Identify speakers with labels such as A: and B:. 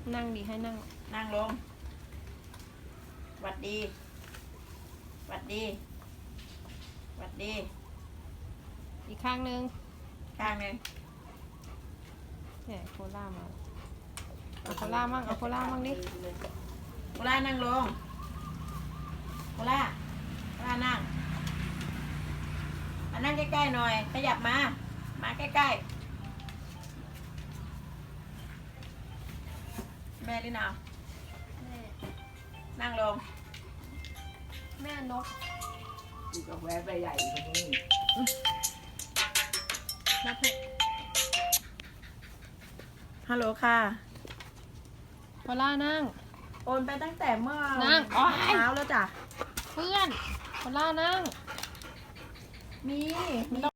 A: นั่งดีให้นั่ง
B: นั่งลงหวัดดีหวัดดีหวัดดี
A: อีกข้างนึง
B: ข้างหนึ่ง
A: เนี่ยโคล่ามาเอาโคล่ามั่งเอาโคล่ามั่งดิ
B: โคล่านั่งลงโคล่านั่งมานั่งใกล้ๆหน่อยขยับมาใกล้ๆแม่ลินาว
A: แม่
B: นั่งลง
A: แม่นก
C: ดูกาแฟใบใหญ่อยู่ตรงนี้
A: นับเถอะ
B: ฮัลโหลค่ะ
A: โคล่านั่ง
B: โอนไปตั้งแต่เมื่อ
A: นั่งโอ๊ย
B: เช้าแล้วจ้ะ
A: เพื่อนโคล่านั่ง
B: มี